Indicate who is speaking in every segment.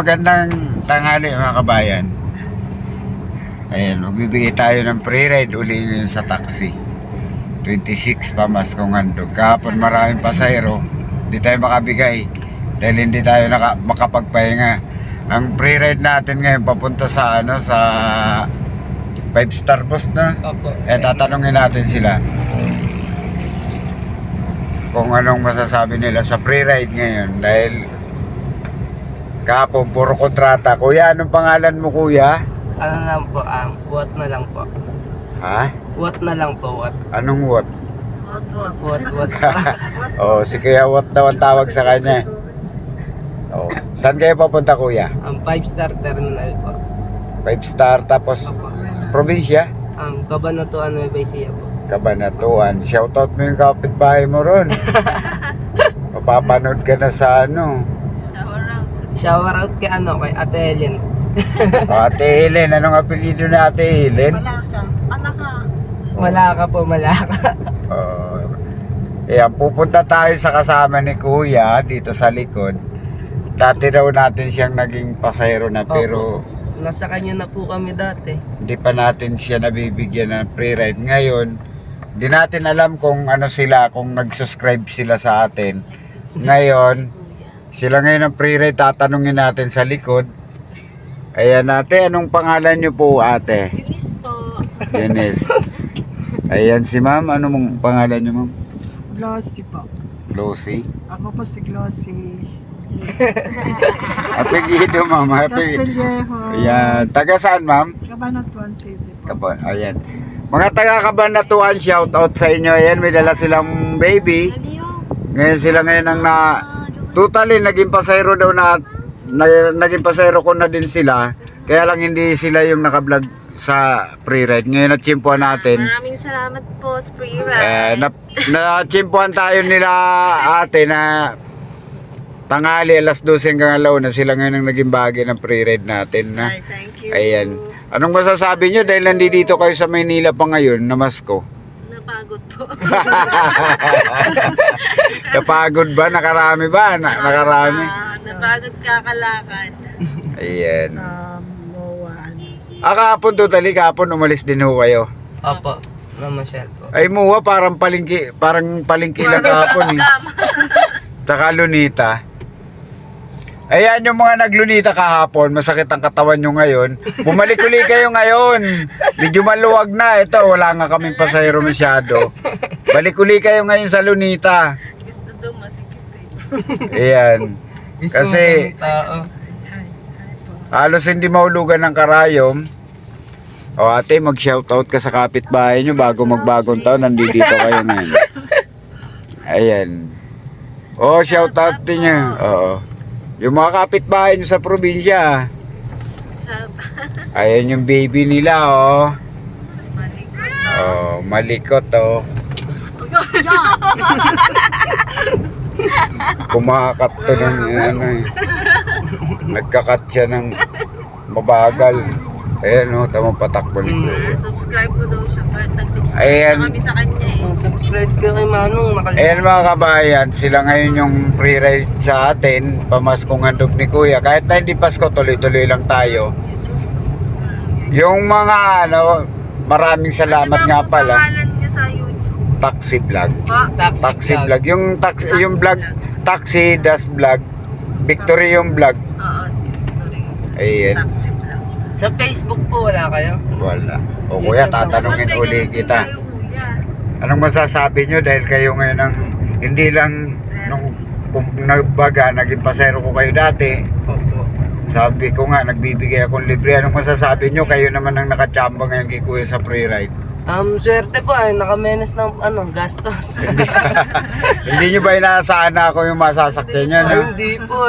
Speaker 1: magandang tanghali mga kabayan. Ayan, magbibigay tayo ng free ride uli ngayon sa taxi. 26 Pamaskong Handog. Kahapon maraming pasahero, hindi tayo makabigay dahil hindi tayo makapagpahinga. Ang free ride natin ngayon papunta sa sa 5-star bus na.
Speaker 2: Opo.
Speaker 1: Tatanungin natin sila kung anong masasabi nila sa free ride ngayon dahil kahapon puro kontrata. Kuya, anong pangalan mo kuya?
Speaker 2: Ano lang po, what na lang po.
Speaker 1: Ha?
Speaker 2: What na lang po, what?
Speaker 1: Anong what?
Speaker 2: What.
Speaker 1: Oh, si Kuya Wat daw ang tawag sa kanya. Oh, saan kayo papunta kuya?
Speaker 2: 5-star terminal po.
Speaker 1: 5-star tapos
Speaker 2: Opo.
Speaker 1: probinsya?
Speaker 2: Cabanatuan, Nueva Ecija po.
Speaker 1: Cabanatuan. Shoutout mo yung kapitbahay mo ron. Mapapanood ka na sa
Speaker 2: Shower out kay kay Ate Helen.
Speaker 1: Ate Helen, anong apelyido na Ate Helen?
Speaker 2: Malaka po, Malaka.
Speaker 1: Ayan, pupunta tayo sa kasama ni Kuya dito sa likod. Dati daw natin siyang naging pasahero na pero
Speaker 2: Nasa kanya na po kami dati.
Speaker 1: hindi pa natin siya nabibigyan ng free ride. Ngayon, di natin alam kung ano sila, kung nag-subscribe sila sa atin. Ngayon, sila ngayon ang free ride, tatanungin natin sa likod. Ayan ate, anong pangalan niyo po ate?
Speaker 3: Eunice po.
Speaker 1: Eunice. Ayan si ma'am, ano mong pangalan niyo ma'am?
Speaker 4: Glossy po.
Speaker 1: Lucy.
Speaker 4: Ako po si Glossy.
Speaker 1: Apelyido ma'am, apelyido.
Speaker 4: Castillejo.
Speaker 1: Ayan, taga saan ma'am?
Speaker 4: Cabanatuan City po.
Speaker 1: Ayan. Mga taga Cabanatuan, shout out sa inyo. Ayan, may dala silang baby. Ngayon sila ngayon ang totally naging pasahero daw naging pasahero ko na din sila. Kaya lang hindi sila yung naka-vlog sa free ride. Ngayon natsimpuan natin.
Speaker 3: Maraming salamat po sa free ride.
Speaker 1: Natsimpuan tayo nila ate na tanghali alas 12 hanggang alaw na sila ngayon ang naging bahagi ng free ride natin na.
Speaker 3: Ay, thank you.
Speaker 1: Ayan. Anong masasabi nyo dahil nandito kayo sa Maynila pa ngayon, namasko?
Speaker 3: Napagod po.
Speaker 1: Napagod ba? Nakarami ba? Nakarami?
Speaker 3: Napagod kakalakad.
Speaker 1: Ayan.
Speaker 4: Sa MOA.
Speaker 1: Kahapon totally, kahapon umalis din ho kayo.
Speaker 2: Opo. Namasyal po.
Speaker 1: Ay muwa, parang palingki lang kahapon eh. Tsaka lunita. Ayan yung mga naglunita kahapon, masakit ang katawan nyo ngayon. Bumalik uli kayo ngayon. Medyo maluwag na. Ito, wala nga kaming pasahero masyado. Balik uli kayo ngayon sa lunita.
Speaker 3: Gusto daw masikip
Speaker 1: Ayan. Kasi
Speaker 2: Tao.
Speaker 1: halos hindi mahulugan ng karayom. O ate, mag-shoutout ka sa kapitbahay nyo bago magbagong taon. Nandito kayo ngayon. Ayan. O, shoutout din nyo. Oo. Yung mga kapitbahay nyo sa probinsya. Ayan yung baby nila, oh. Oh, malikot, oh. Kumakat to ng ano eh. Nagkakat siya ng mabagal. Ayan, oh, tamang patakbo ni Kuya.
Speaker 3: Subscribe po daw siya. Nag-subscribe
Speaker 1: Ayan.
Speaker 3: na kami sa kanya eh.
Speaker 2: Subscribe ka kay Manong.
Speaker 1: Ayan mga kabayan, sila ngayon yung free ride sa atin, Pamaskong Handog ni Kuya. Kahit na hindi Pasko, tuloy-tuloy lang tayo. Yung mga maraming salamat
Speaker 3: Ano
Speaker 1: nga
Speaker 3: po
Speaker 1: pala.
Speaker 3: pangalan niya sa YouTube?
Speaker 1: Taxi vlog.
Speaker 3: Po?
Speaker 1: Taxi vlog. Yung vlog, taxi das vlog. Victory yung vlog.
Speaker 3: Oo, ito rin.
Speaker 1: Ayan.
Speaker 3: Taxi vlog.
Speaker 2: Sa Facebook po, wala kayo?
Speaker 1: Wala. O kuya, tatanungin uli kita. Anong masasabi nyo dahil kayo ngayon ang hindi lang nung kung nagbaga, naging pasero ko kayo dati.
Speaker 2: Opo.
Speaker 1: Sabi ko nga, nagbibigay akong libre. Anong masasabi nyo? Kayo naman ang nakachamba ngayon kay Kuya sa free ride.
Speaker 2: Swerte po nakamenes ng gastos.
Speaker 1: Hindi nyo ba inaasahan na ako yung masasakyan nyo, no?
Speaker 2: Hindi po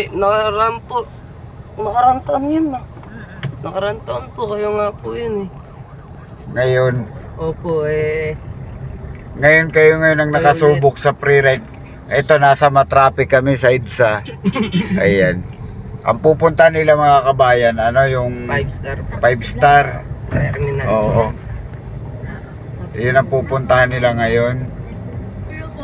Speaker 2: nakaraan taon yun Nakaraan taon po, kayo nga po yun
Speaker 1: Ngayon,
Speaker 2: Opo
Speaker 1: ngayon kayo ngayon ang nakasubok sa free ride. Ito, nasa matraffic kami sa EDSA. Ayan. Ang pupunta nila mga kabayan, yung
Speaker 2: 5-star
Speaker 1: 5-star.
Speaker 2: terminal.
Speaker 1: Oo. Yun ang pupuntahan nila ngayon.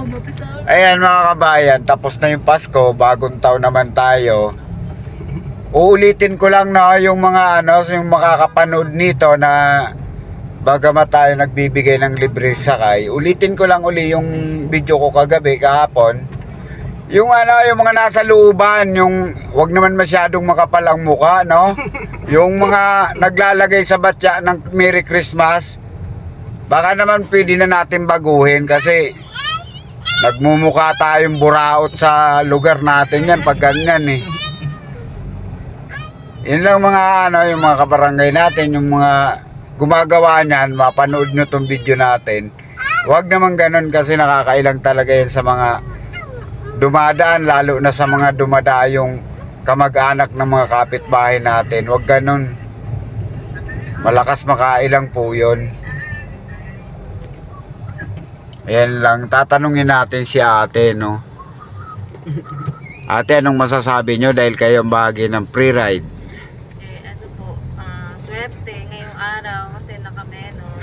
Speaker 1: Ayan mga kabayan, tapos na yung Pasko, bagong taon naman tayo. uulitin ko lang na yung mga yung makakapanood nito na bagamat tayo nagbibigay ng libre sakay, ulitin ko lang uli yung video ko kahapon. Yung yung mga nasa looban, yung wag naman masyadong makapal ang mukha, no? Yung mga naglalagay sa batya ng Merry Christmas, baka naman pwede na natin baguhin kasi nagmumukha tayong buraot sa lugar natin yan pag ganyan eh. Yun lang mga yung mga kabarangay natin, yung mga gumagawa niyan, mapanood nyo tong video natin. Huwag naman ganun kasi nakakailang talaga yan sa mga dumadaan, lalo na sa mga dumadayong kamag-anak ng mga kapitbahay natin. Huwag ganun. Malakas makailang po yun. Ayan lang, tatanungin natin si ate, no? Ate, anong masasabi nyo dahil kayo ang bahagi ng pre-ride?
Speaker 3: Ano po, swerte ngayong araw kasi nakamenos.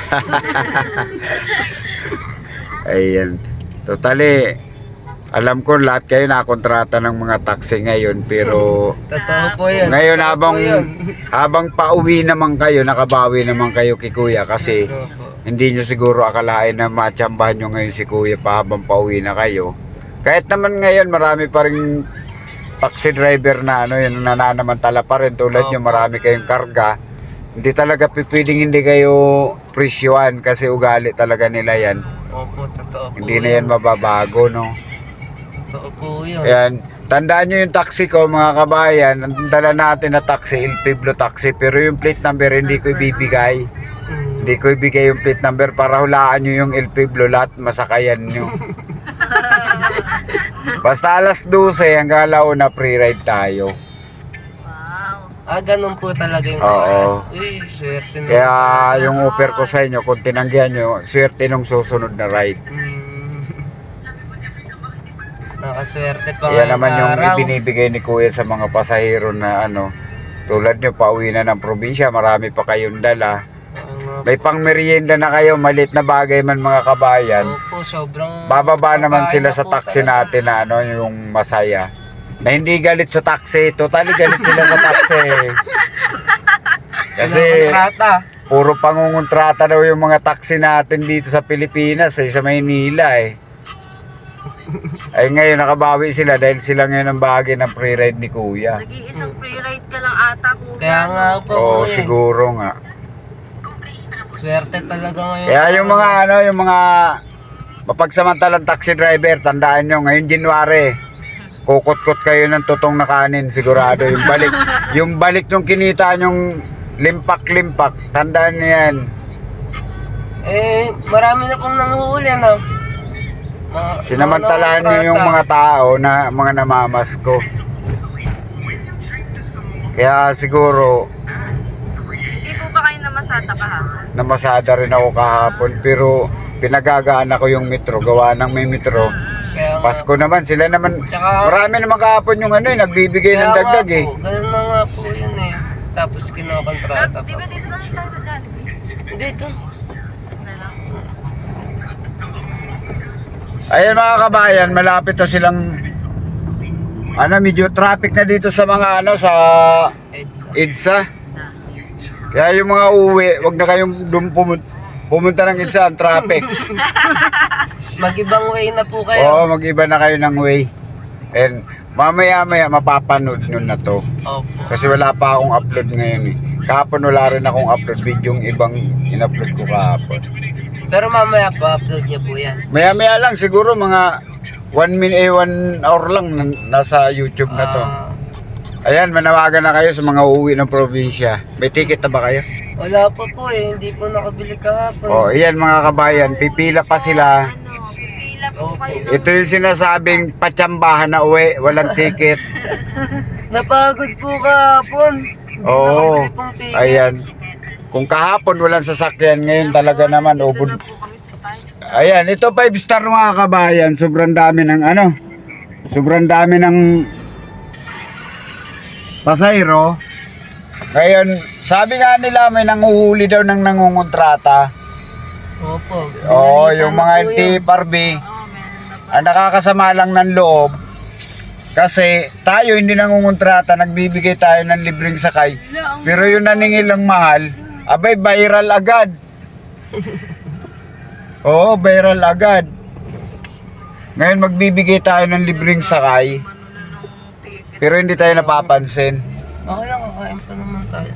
Speaker 1: Ayan. Totally, alam ko lahat kayo nakontrata ng mga taxi ngayon, pero
Speaker 2: Totoo po yun.
Speaker 1: ngayon
Speaker 2: Totoo po yun.
Speaker 1: habang pauwi naman kayo, nakabawi naman kayo kay kuya kasi
Speaker 2: Totoo po.
Speaker 1: hindi nyo siguro akalain na matsambahan nyo ngayon si kuya pa habang pauwi na kayo. Kahit naman ngayon marami pa rin taxi driver na yung nananamantala pa rin tulad nyo, marami kayong karga. Hindi talaga pwedeng hindi kayo presyuhan kasi ugali talaga nila yan.
Speaker 2: Opo, totoo po.
Speaker 1: Hindi na yan mababago, no?
Speaker 2: Totoo po yun.
Speaker 1: Ayan, tandaan nyo yung taxi ko mga kabayan. Ang dala natin na taxi, El Pueblo taxi, pero yung plate number hindi ko ibibigay. Hindi ko ibigay yung plate number para hulaan nyo yung El Pueblo, lahat masakayan nyo. Basta alas 12 hanggang alauna pre-ride tayo.
Speaker 3: Wow.
Speaker 2: Ganun po talaga yung
Speaker 1: Oo.
Speaker 2: oras. Uy, swerte na.
Speaker 1: Kaya yung offer ko sa inyo, kung tinanggihan nyo, swerte nung susunod na ride.
Speaker 2: Nakaswerte pa
Speaker 1: Yan
Speaker 2: ngayong
Speaker 1: naman yung
Speaker 2: araw.
Speaker 1: ibinibigay ni kuya sa mga pasahero na tulad nyo, pauwi na ng probinsya, marami pa kayong dala.
Speaker 2: Oo nga
Speaker 1: May pang merienda na kayo, malit na bagay man mga kabayan.
Speaker 2: Opo, sobrang...
Speaker 1: Bababa naman
Speaker 2: Pagkain
Speaker 1: sila
Speaker 2: na
Speaker 1: sa
Speaker 2: po
Speaker 1: taxi
Speaker 2: talaga.
Speaker 1: natin na yung masaya. Na hindi galit sa taxi, totally galit sila sa taxi. Kasi
Speaker 2: Kinakontrata.
Speaker 1: puro pangungontrata daw yung mga taxi natin dito sa Pilipinas, sa Maynila eh. Ay ngayon nakabawi sila dahil sila ngayon ang bahagi ng pre-ride ni kuya.
Speaker 3: Nag-iisang pre-ride ka lang ata kuya.
Speaker 2: Kaya nga po
Speaker 1: Oo,
Speaker 2: po
Speaker 1: siguro nga.
Speaker 2: Swerte talaga ngayon.
Speaker 1: Kaya yung mga yung mga mapagsamantalang taxi driver, tandaan nyo, ngayon January, kukot-kot kayo ng tutong na kanin, sigurado. Yung balik nung kinita nyong limpak-limpak, tandaan nyo yan.
Speaker 2: Marami na pong nanguhuli,
Speaker 1: Sinamantalahan nyo yung mga tao na mga namamasko. Kaya siguro,
Speaker 3: Hindi po ba kayo namasata kahapon?
Speaker 1: namasada rin ako kahapon, pero pinagagaan ako yung metro, gawa ng may metro.
Speaker 2: Kaya nga
Speaker 1: Pasko naman, sila naman,
Speaker 2: Tsaka-
Speaker 1: marami naman kahapon yung nagbibigay ng
Speaker 2: Kaya nga
Speaker 1: dagdag eh.
Speaker 2: po, ganun na nga po yun eh. Tapos kinokontrata
Speaker 3: Di
Speaker 2: pa.
Speaker 3: ba dito na lang tayo sa Jollibee?
Speaker 2: Dito.
Speaker 3: Na lang.
Speaker 1: Ayan mga kabayan, malapit na silang medyo traffic na dito sa mga sa
Speaker 2: EDSA.
Speaker 1: EDSA.
Speaker 3: Sa.
Speaker 1: Kaya yung mga uwi, wag na kayong pumunta ng EDSA, ang traffic.
Speaker 2: Mag-ibang way na po kayo.
Speaker 1: Oo, mag-iba na kayo ng way. And mamaya-maya mapapanood nyo na to.
Speaker 2: Opo.
Speaker 1: Kasi wala pa akong upload ngayon eh. Kahapon wala rin akong upload video, yung ibang in-upload ko kahapon.
Speaker 2: Pero mamaya po, upload niyo po yan.
Speaker 1: Maya-maya lang, siguro mga 1 hour lang nasa YouTube na to. Ayan, manawagan na kayo sa mga uuwi ng probinsya. May ticket na ba kayo?
Speaker 2: Wala pa po eh, hindi po nakabili kahapon.
Speaker 1: O, iyan mga kabayan, pipila pa sila.
Speaker 3: Pipila po
Speaker 2: Opo.
Speaker 3: kayo.
Speaker 1: Ito yung sinasabing patsambahan na uwi, walang ticket.
Speaker 2: Napagod po kahapon. Hindi
Speaker 1: Oo,
Speaker 2: nakabili pong ticket.
Speaker 1: ayan. Kung kahapon walang sasakyan, ngayon talaga naman ubod.
Speaker 3: Dito na po kami sa tayo.
Speaker 1: Ayan, ito 5 star mga kabayan, sobrang dami ng sobrang dami ng pasahero. Ngayon, sabi nga nila may nanguhuli daw ng nangungontrata.
Speaker 2: Opo.
Speaker 1: Oo,
Speaker 2: Binalitan
Speaker 1: yung
Speaker 2: na
Speaker 1: mga
Speaker 2: po yun.
Speaker 1: LTFRB,
Speaker 3: Oo, meron na po.
Speaker 1: ang nakakasama lang ng loob. Kasi tayo hindi nangungontrata, nagbibigay tayo ng libreng sakay. Pero yung naningil ng mahal, abay viral agad. Oo, viral agad. Ngayon magbibigay tayo ng libreng sakay, pero hindi tayo napapansin.
Speaker 2: Okay lang, kakain pa naman tayo.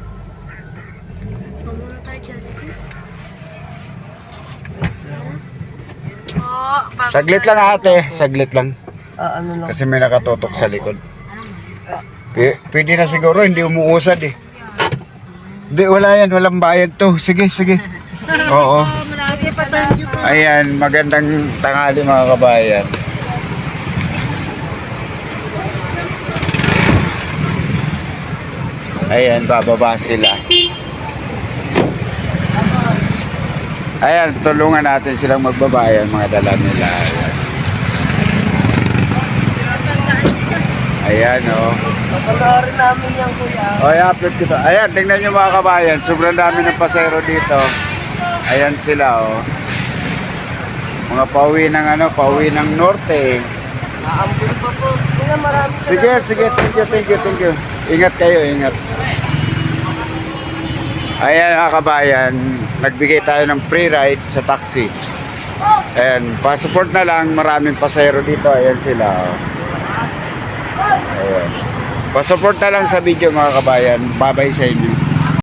Speaker 3: Oh,
Speaker 1: Saglit lang ate, saglit lang.
Speaker 2: Ano lang.
Speaker 1: Kasi may nakatutok sa likod. Pwede na siguro, hindi umuusad eh. Hindi, wala yan, walang bayad to. Sige, sige. Oo. Ayan, magandang tanghali mga kabayan. Ayan, bababa sila. Ayan, tulungan natin silang magbabayan, mga dala nila. Ayan, oh.
Speaker 2: Papanoorin namin yan, kuya.
Speaker 1: O, i-upload ko to. Ayan, tingnan nyo mga kabayan. Sobrang dami ng pasero dito. Ayan sila, oh. Mga pauwi ng pauwi ng norte.
Speaker 2: Aambun pa po. Kuya, maraming salamat.
Speaker 1: Sige, sige, thank you. Ingat kayo, ingat. Ayan mga kabayan, nagbigay tayo ng free ride sa taxi. Ayan, pa-support na lang, maraming pasahero dito. Ayan sila, oh. Ayan. Pa-support na lang sa video mga kabayan. Bye-bye sa inyo.